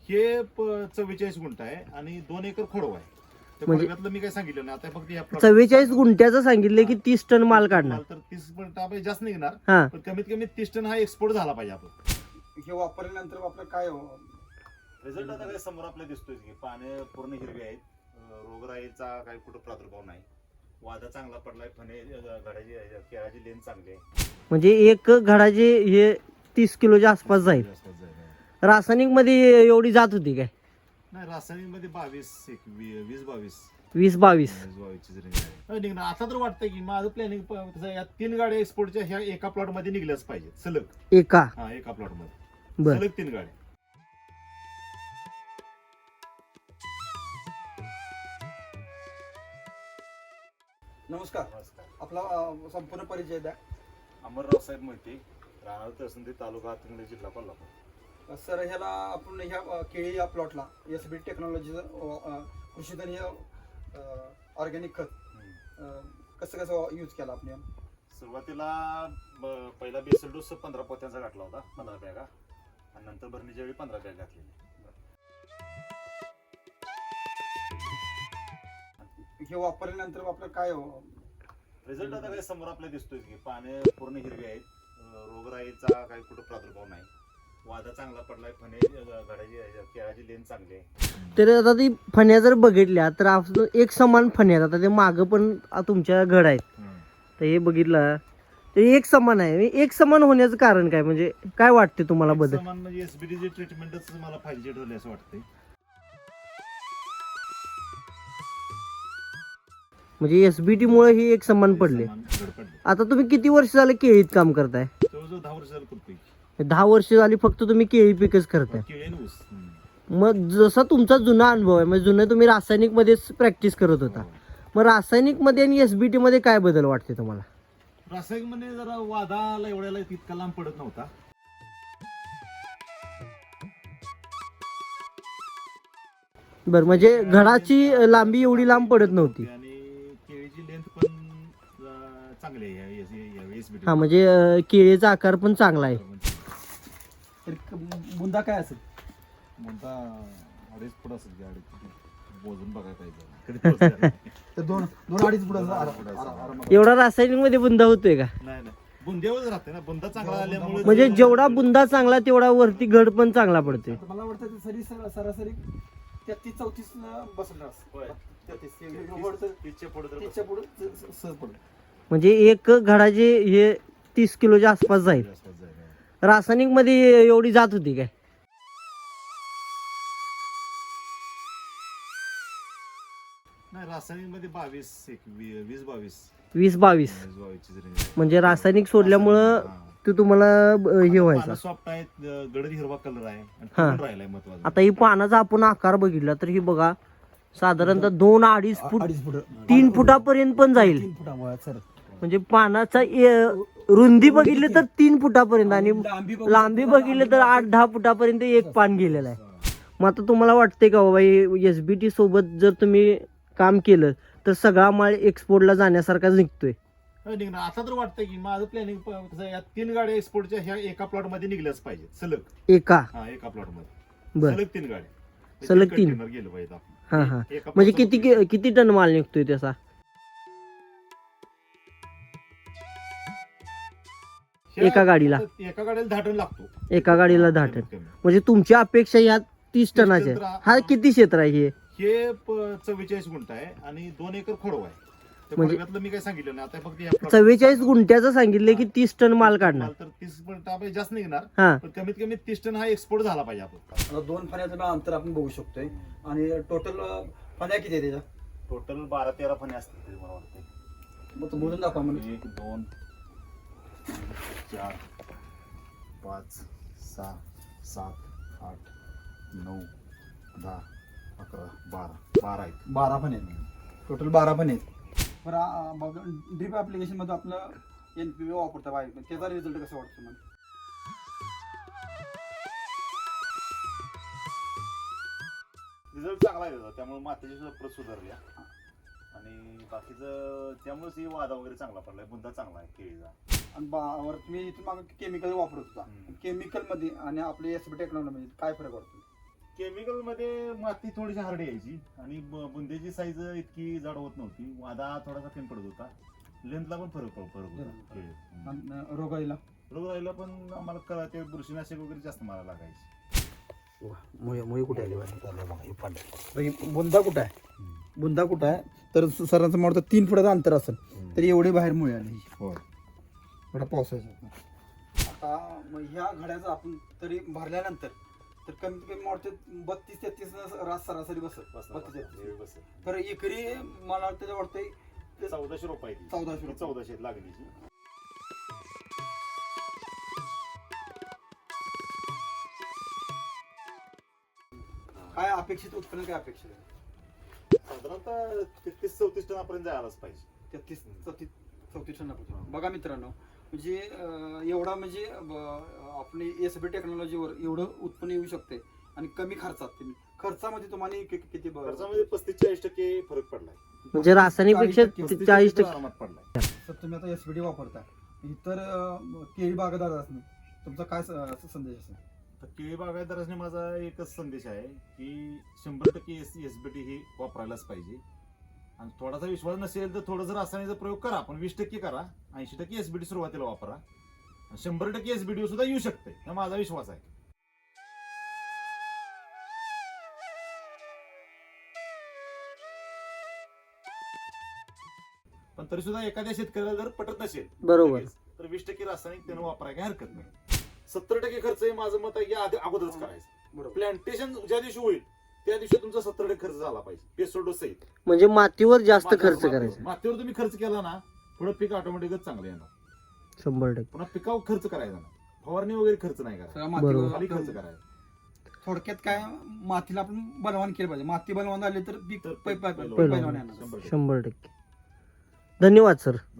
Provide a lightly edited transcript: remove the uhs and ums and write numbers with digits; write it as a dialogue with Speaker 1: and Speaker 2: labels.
Speaker 1: हे 44 गुंठ आहे आणि 2 एकर खोडवा आहे. त्या
Speaker 2: म्हणजे-
Speaker 1: खोडव्यातलं मी काय सांगितलं नाही, आता फक्त या plot-
Speaker 2: 44 गुंठ्याचं सांगितलं की 30 टन माल काढणार.
Speaker 1: तर 30 पण आपण जास्त निघणार,
Speaker 2: हा,
Speaker 1: पण कमीत कमी 30 टन हा एक्सपोर्ट झाला पाहिजे आपण.
Speaker 3: हे वापरल्यानंतर आपलं काय
Speaker 1: रिझल्ट आता काय समोर आपल्याला दिसतोय की पाने पूर्ण हिरवी आहेत, रोगराईचा काही कुठं प्रादुर्भाव नाही, वादा चांगला पडलाय, फणे घडाची केळाची लेन चांगली आहे.
Speaker 2: म्हणजे एक घडाचे हे 30 किलोच्या आसपास जाईल.
Speaker 1: आसपास जाईल.
Speaker 2: रासायनिक मध्ये एवढी जात होती काय?
Speaker 1: नाही, रासायनिक मध्ये 20 22
Speaker 2: 20-22
Speaker 1: निघणार. आता तर वाटतंय की माझं प्लॅनिंग या 3 गाड्या एक्सपोर्टच्या ह्या एका प्लॉट मध्ये निघल्याच पाहिजे सलग.
Speaker 2: एका.
Speaker 1: हा, एका प्लॉट मध्ये
Speaker 2: बर.
Speaker 1: सलग 3 गाड्या.
Speaker 3: नमस्कार, आपला संपूर्ण परिचय द्या.
Speaker 1: अमरराव साहेब मोहिते, राहणार तहसील तालुका हातकणंगले, जिल्हा कोल्हापूर.
Speaker 3: सर, ह्याला आपण ह्या केळी या प्लॉटला एसबी टेक्नॉलॉजीचं कृषीधन हे ऑर्गॅनिक खत कसं कसं यूज केला आपण?
Speaker 1: सुरुवातीला पहिला बेसल डोस 15 पोत्यांचा घातला होता, 15 बॅगा, आणि नंतर भरणीच्या वेळी 15 बॅग घातलेली.
Speaker 3: हे वापरल्यानंतर आपलं काय
Speaker 1: रिझल्ट आता काय समोर आपल्याला दिसतोय की पाने पूर्ण हिरवी आहेत, रोगराईचा काही कुठं प्रादुर्भाव नाही, वादा चांगला पडलाय, फणे घडाची केळाची लेन चांगली आहे.
Speaker 2: तर आता ती फण्या जर बघितल्या तर आपण एक समान फण्या आहेत. आता ते मागं पण तुमच्या घड आहेत, तर हे बघितलं तर एक समान आहे. एक समान होण्याचं कारण काय, म्हणजे काय वाटते तुम्हाला बदल?
Speaker 1: समान म्हणजे एसबीडीची ट्रीटमेंटच मला फायदेशीर ठरली असं वाटतंय.
Speaker 2: म्हणजे एसबीटी मुळे ही एक समान पडले.
Speaker 1: समान घड पडले.
Speaker 2: आता तुम्ही किती वर्ष झाले केळीत काम करताय?
Speaker 1: जवळजवळ 10 वर्ष झालं करतोय.
Speaker 2: 10 वर्ष झाली फक्त तुम्ही केळी पिकच करताय.
Speaker 1: केळी आणि ऊस.
Speaker 2: मग जसा तुमचा जुना अनुभव आहे, म्हणजे जुनं तुम्ही रासायनिक मध्येच प्रॅक्टिस करत होता, मग रासायनिक मध्ये आणि एसबीटी मध्ये काय बदल वाटते तुम्हाला?
Speaker 1: रासायनिक मध्ये जरा वादाला एवढ्याला तितका लांब पडत नव्हता.
Speaker 2: बरं, म्हणजे घडाची लांबी एवढी लांब पडत नव्हती.
Speaker 1: आणि केळीची लेंथ पण चांगली आहे एसबीटी.
Speaker 2: हा, म्हणजे केळीचा आकार पण चांगला आहे.
Speaker 3: तर बुंदा काय असेल?
Speaker 1: म्हणता 2.5 फूट असेल गाडी, मोजून बघायला पाहिजे. कधी पोहोचणार?
Speaker 3: तर 2-2.5 फुट
Speaker 2: एवढा रासायनिक मध्ये बुंदा होतोय का?
Speaker 1: नाही नाही, बुंद्यावरच राहते ना, बुंदा चांगला आल्यामुळे.
Speaker 2: म्हणजे जेवढा बुंदा चांगला तेवढा वरती घड पण चांगला पडते.
Speaker 3: मला वाटतं ते सरासरी 33-34 बसणार.
Speaker 1: होय.
Speaker 3: 30च्या पुढे सहज पडत.
Speaker 2: म्हणजे एक घडाचे हे 30 किलोच्या आसपास जाईल. रासायनिक मध्ये एवढी जात होती काय?
Speaker 1: नाही, रासायनिक मध्ये 20-22
Speaker 2: 20-22 म्हणजे रासायनिक सोडल्यामुळं ते तुम्हाला हे व्हायचं.
Speaker 1: सॉफ्ट आहेत, गडद हिरवा कलर आहे आणि
Speaker 2: हा.
Speaker 1: फुलून राहिलाय महत्वाचं.
Speaker 2: आता ही पानाचा आपण आकार बघितला तर ही बघा साधारणतः 2-2.5 फूट
Speaker 3: 2.5 फुट
Speaker 2: 3 फुटापर्यंत पण जाईल.
Speaker 3: 3 फुटामुळे सर.
Speaker 2: म्हणजे पानाचा रुंदी बघितली तर 3 फुटापर्यंत आणि लांबी बघितली तर 8-10 फुटापर्यंत एक पान गेलेलं आहे. मग आता तुम्हाला वाटते का बाबा एसबीटी सोबत जर तुम्ही काम केलं तर सगळा माल एक्सपोर्टला जाण्यासारखा निघतोय?
Speaker 1: निघणार. आता तर वाटतंय की माझं प्लॅनिंग या 3 गाड्या एक्सपोर्टच्या ह्या एका प्लॉट मध्ये निघल्याच पाहिजे सलग.
Speaker 2: एका.
Speaker 1: हा, एका प्लॉट मध्ये
Speaker 2: बर,
Speaker 1: सलग 3 गाड्या,
Speaker 2: सलग 3
Speaker 1: container गेलं पाहिजे आपण.
Speaker 2: हा हा.
Speaker 1: एका
Speaker 2: म्हणजे
Speaker 1: plot मध्ये
Speaker 2: किती टन माल निघतोय त्याचा? एका गाडीला?
Speaker 1: एका गाडीला 10 टन लागतो.
Speaker 2: एका गाडीला 10 टन.
Speaker 1: कमीत कमी.
Speaker 2: म्हणजे तुमची अपेक्षा ह्या 30 टनाच्या आहे. हा किती क्षेत्र आहे हे?
Speaker 1: हे 44 गुंठ आहे आणि 2 एकर खोडवा आहे. त्या
Speaker 2: म्हणजे-
Speaker 1: खोडव्यातलं मी काय सांगितलं नाही, आता फक्त या plot-
Speaker 2: 44 गुंठ्याचं सांगितलंय की 30 टन माल काढणार.
Speaker 1: तर 30 पण आपण जास्त निघणार,
Speaker 2: हा,
Speaker 1: पण कमीत कमी 30 टन हा एक्सपोर्ट झाला पाहिजे आपण.
Speaker 3: आता 2 फण्याचं अंतर आपण बघू शकतोय. आणि टोटल फण्या किती आहे त्याच्या?
Speaker 1: टोटल 12-13 फणे असतील तरी मला वाटतं.
Speaker 3: मग तो मोजून दाखवा म्हणजे.
Speaker 1: 1 2 4 5 6 7 8 9 10 11 12 आहेत.
Speaker 3: 12 फणे आहेत. टोटल 12 फणे आहेत. बरं, ड्रीप ऍप्लिकेशन मध्ये आपलं NPV वापरता पाहिजे, त्याचा रिझल्ट कसा वाटतो मला?
Speaker 1: रिझल्ट चांगला आहे त्याचा, त्यामुळे मातीची सुद्धा प्रत सुधारली आहे. आणि बाकीचं त्यामुळेच ही वादा वगैरे चांगला पडलाय, बुंदा चांगला आहे केळीचा.
Speaker 3: आणि वर तुम्ही इथून मागे केमिकल वापरत होता, केमिकल मध्ये आणि आपले एसबी टेक्नॉलॉजी मध्ये काय फरक वाटतो?
Speaker 1: केमिकल मध्ये माती थोडीशी हार्डी यायची आणि बुंदेची साईज इतकी जाड होत नव्हती. वादा थोडासा कमी पडत होता. लेंथला पण फरक होता.
Speaker 3: आणि रोगाईला
Speaker 1: रोग राहिला पण आम्हाला कळा ते बुरशीनाशक वगैरे जास्त मारा लागायची.
Speaker 2: मुळे कुठे आली
Speaker 3: बुंदा कुठं आहे बुंदा कुठं आहे तर सरांचं म्हणतो 3 फुटाचं अंतर असेल तरी एवढे बाहेर मुळे आले एवढा पावसाचा. आता मग ह्या घड्याचं आपण तरी भरल्यानंतर तर कमीत कमी वाटते 32-33 रास सरासरी बसत 32-33 तर एकरी मला त्याच्या वाटतंय
Speaker 1: 1400 रुपये 1400 लागलीची.
Speaker 3: काय अपेक्षित उत्पन्न काय अपेक्षित आहे?
Speaker 1: साधारणतः 33-34 टनापर्यंत जायलाच पाहिजे.
Speaker 3: 33-34 टनापर्यंत. बघा मित्रांनो म्हणजे एवढा म्हणजे आपण एसबी टेक्नॉलॉजीवर एवढं उत्पन्न येऊ शकते आणि कमी खर्चात. खर्चामध्ये तुम्हाला किती
Speaker 1: खर्चामध्ये 35-40% फरक पडलाय.
Speaker 2: म्हणजे रासायनिक पेक्षा 40%
Speaker 1: आरामात पडलाय.
Speaker 3: तर तुम्ही आता एसबीडी वापरता इतर केळी बागायतदार असणे तुमचा काय संदेश असेल?
Speaker 1: तर केळी बागायतदारांनी माझा एकच संदेश आहे की 100% एसबीटी ही वापरायलाच पाहिजे. आणि थोडासा विश्वास नसेल तर थोडंसं रासायनिकचा प्रयोग करा, पण 20% करा. 80% एसबीटी सुरुवातीला वापरा. 100% एसबीटी सुद्धा येऊ शकते, हा माझा विश्वास आहे. पण तरी सुद्धा एखाद्या शेतकऱ्याला जर पटत नसेल
Speaker 2: बरोबर
Speaker 1: तर 20% रासायनिक त्यानं वापरायला काही हरकत नाही. 70% खर्च हे माझं मत आहे की अगोदरच करायचं.
Speaker 3: बरोबर.
Speaker 1: प्लांटेशन ज्या दिवशी होईल त्या दिवशी तुमचा 70% खर्च झाला पाहिजे पेसोडोस सहित.
Speaker 2: म्हणजे मातीवर जास्त खर्च करायचा
Speaker 1: मातीवर तुम्ही खर्च केला ना थोडं पीक ऑटोमॅटिकच चांगलं येणार.
Speaker 2: 100%.
Speaker 1: पुन्हा पिकावर खर्च करायचा ना, फवारणी वगैरे खर्च नाही करायचा,
Speaker 2: बरोबर.
Speaker 1: खाली खर्च करायचा.
Speaker 3: थोडक्यात काय मातीला आपण बलवान केलं पाहिजे. माती बलवान झाली तर पीक
Speaker 1: तर
Speaker 3: पैलवान येणार.
Speaker 2: 100%. धन्यवाद सर.